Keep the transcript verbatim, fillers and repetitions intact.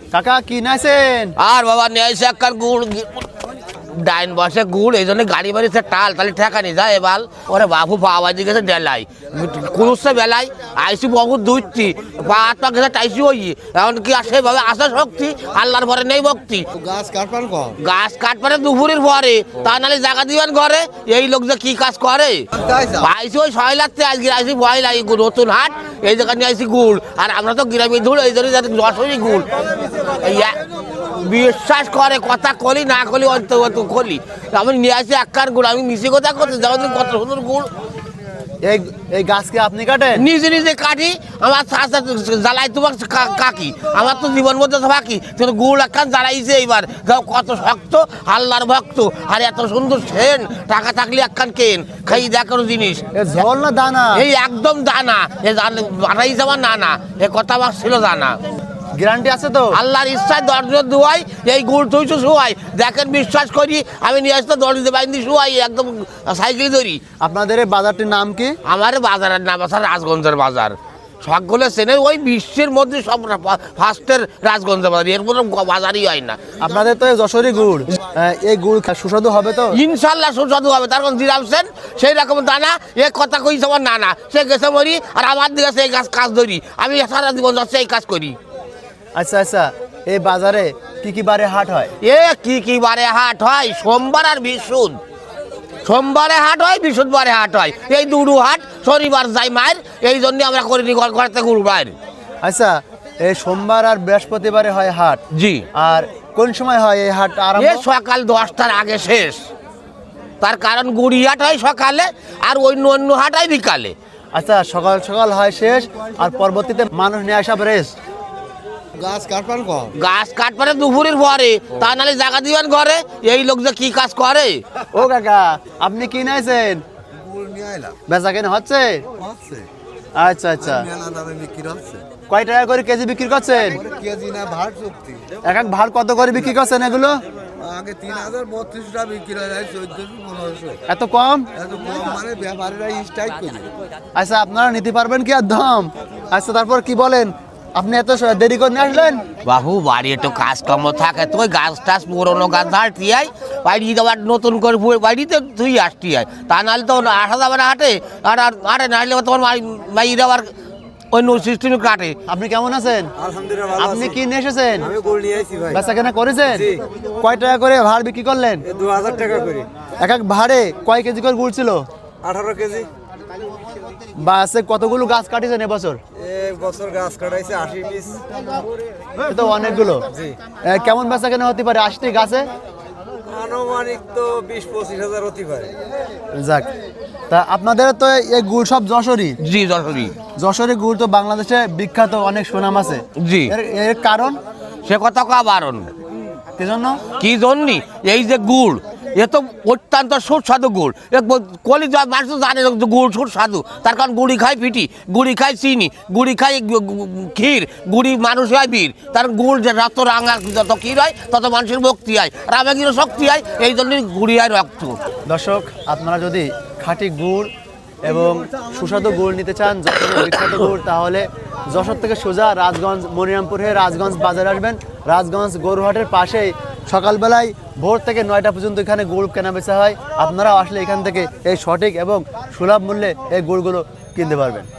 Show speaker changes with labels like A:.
A: কাকা কি নাইছেন?
B: আর বাবা নিয়ে আইসে একবার গুড় ডাইন বসে গুড় এই জন্য গাড়ি বাড়িতে টাল তাহলে ঠেকা নি যায় এবার ওরে বাবু বাবা দিয়ে গেছে ডেলাই কুলুসে বেলায় আইসি বহু দুইটি পা হাত পা গেছে টাইসি হই এখন কি সেভাবে আসা শক্তি আল্লাহর পরে নেই ভক্তি
C: গাছ কাটপান কম
B: গাছ কাটপারে দুপুরের পরে তা নাহলে জায়গা দিবেন ঘরে এই লোক যে কি কাজ করে আইসি ওই ছয় লাগতে আজকে আইসি ভয় লাগে নতুন হাট এই জায়গা নিয়ে আইসি গুড় আর আমরা তো গ্রামে ধুল এই জন্য যাতে যশোরই গুড় বিশ্বাস করে কথা কলি না কলি অন্ত অত কলি আমি নিয়ে আসি এক কার গুড় আমি মিশে কথা করতে যাবো কত সুন্দর গুড়
A: এই এই গাছকে আপনি কাটেন?
B: নিজে নিজে কাটি আমার জ্বালাই তোমার কাকি আমার তো জীবন মধ্যে বাকি কিন্তু গুড় একখান জ্বালাইছে এইবার যাও কত শক্ত আল্লাহর ভক্ত আর এত সুন্দর সেন টাকা থাকলে একখান কেন খাই দেখানো জিনিস
A: ঝোল না দানা?
B: এই একদম দানা এ বানাই যাওয়া না না এ কথা আমার ছিল দানা
A: গ্যারান্টি আছে তো?
B: আল্লাহর ইচ্ছায় দরজা দুয়াই এই গুড় থইছো শুয়াই দেখেন বিশ্বাস করি আমি নিয়ে আসতে দরজা বাইন্দি শুয়াই একদম সাইকেল ধরি।
A: আপনাদের এই বাজারটির নাম কি?
B: আমার বাজারের নাম আছে রাজগঞ্জের বাজার সকলে চেনে ওই বিশ্বের মধ্যে সব ফার্স্টের রাজগঞ্জের বাজার এর কোনো বাজারই হয় না।
A: আপনাদের তো যশোরী গুড় এই গুড় সুস্বাদু হবে তো?
B: ইনশাল্লাহ সুস্বাদু হবে তার কোন দিরামছেন সেই রকম দানা এ কথা কইছে আমার নানা সে গেছে মরি আর আমার দিকে সেই কাজ কাজ ধরি আমি সারা জীবন যাচ্ছে এই কাজ করি।
A: আচ্ছা আচ্ছা এই বাজারে কি কি বারে হাট হয়?
B: এ কি কি বারে হাট হয়? সোমবার আর বৃহস্পতি সোমবারে হাট হয় বৃহস্পতিবারে হাট হয় এই দুটো হাট শনিবার যাই মায়ের এই জন্য আমরা করিনি ঘর থেকে গুরু বাইর।
A: আচ্ছা এই সোমবার আর বৃহস্পতিবারে হয় হাট?
B: জি।
A: আর কোন সময় হয় এই হাট আরম্ভ?
B: এ সকাল দশটার আগে শেষ তার কারণ গুড়ি হাট হয় সকালে আর অন্য অন্য হাট হয় বিকালে।
A: আচ্ছা সকাল সকাল হয় শেষ আর পরবর্তীতে মানুষ নিয়ে আসা রেস্ট।
C: গাছ কাটপান কম
B: গাছ কাটপারে দুপুরের পরে তা নাহলে জায়গা দিবেন ঘরে এই লোক যে কি কাজ করে।
A: ও কাকা আপনি কি নাইছেন? বেচা কেনা হচ্ছে? আচ্ছা আচ্ছা কয় টাকা করে কেজি বিক্রি করছেন? এক এক ভাড় কত করে বিক্রি করছেন এগুলো?
C: আগে তিন হাজার বত্রিশ টাকা বিক্রি হয় চোদ্দশো পনেরোশো।
A: এত কম?
C: এত কম মানে ব্যাপারীরা স্ট্রাইক করে।
A: আচ্ছা আপনারা নিতে পারবেন কি আর দাম? আচ্ছা তারপর কি বলেন আপনি এত দেরি করে নিয়ে আসলেন?
B: বাবু বাড়ি একটু কাজ কম থাকে তো ওই গাছ টাছ পুরোনো গাছ ধারটি হয় বাড়ি আবার নতুন করে বাড়িতে তুই আসটি হয় তা নাহলে তো আসা যাবে না হাটে আর আরে নাহলে তোমার বাইরে আবার অন্য সিস্টেমে কাটে।
A: আপনি কেমন আছেন?
C: আলহামদুলিল্লাহ।
A: আপনি কি নিয়ে এসেছেন?
C: আমি গুড় নিয়ে আইছি ভাই।
A: বেচা কেনা করেছেন? কয় টাকা করে ভাড় বিক্রি করলেন?
C: দু হাজার টাকা করে।
A: এক এক ভাড়ে কয় কেজি করে গুড় ছিল?
C: আঠারো কেজি।
A: বাসে কতগুলো গাছ কাটিয়েছেন এবছর?
C: এক বছর গাছ কাটাইছে আশি পিস।
A: তো অনেকগুলো। কেমন বেচা কেনা হতে পারে আশিটি গাছে?
C: আনুমানিক তো বিশ পঁচিশ হাজার হতে পারে।
A: যাক তা আপনাদের তো এই গুড় সব যশোরী?
B: জি যশোরী।
A: যশোরী গুড় তো বাংলাদেশে বিখ্যাত অনেক সুনাম আছে।
B: জি।
A: এর কারণ?
B: সে কথা কা বারণ
A: কি জন্য?
B: কি জন্যি এই যে গুড় এ তো অত্যন্ত সুস্বাদু গুড় কলি মানুষ জানে গুড় সুস্বাদু তার কারণ গুড়ি খায় পিটি গুড়ি খায় চিনি গুড়ি খায় ক্ষীর গুড়ি মানুষ হয় বীর তার গুড় যে যত রাঙা যত ক্ষীর হয় তত মানুষের ভক্তি হয় রামাগিরও শক্তি হয় এই জন্যই গুড়ি হয় রক্ত।
A: দর্শক আপনারা যদি খাঁটি গুড় এবং সুস্বাদু গুড় নিতে চান যশোরের বিখ্যাত গুড় তাহলে যশোর থেকে সোজা রাজগঞ্জ মনিরামপুর হয়ে রাজগঞ্জ বাজারে আসবেন। রাজগঞ্জ গরুহাটের পাশেই সকালবেলায় ভোর থেকে নয়টা পর্যন্ত এখানে গুড় কেনা বেচা হয়। আপনারাও আসলে এখান থেকে এই সঠিক এবং সুলভ মূল্যে এই গুড়গুলো কিনতে পারবেন।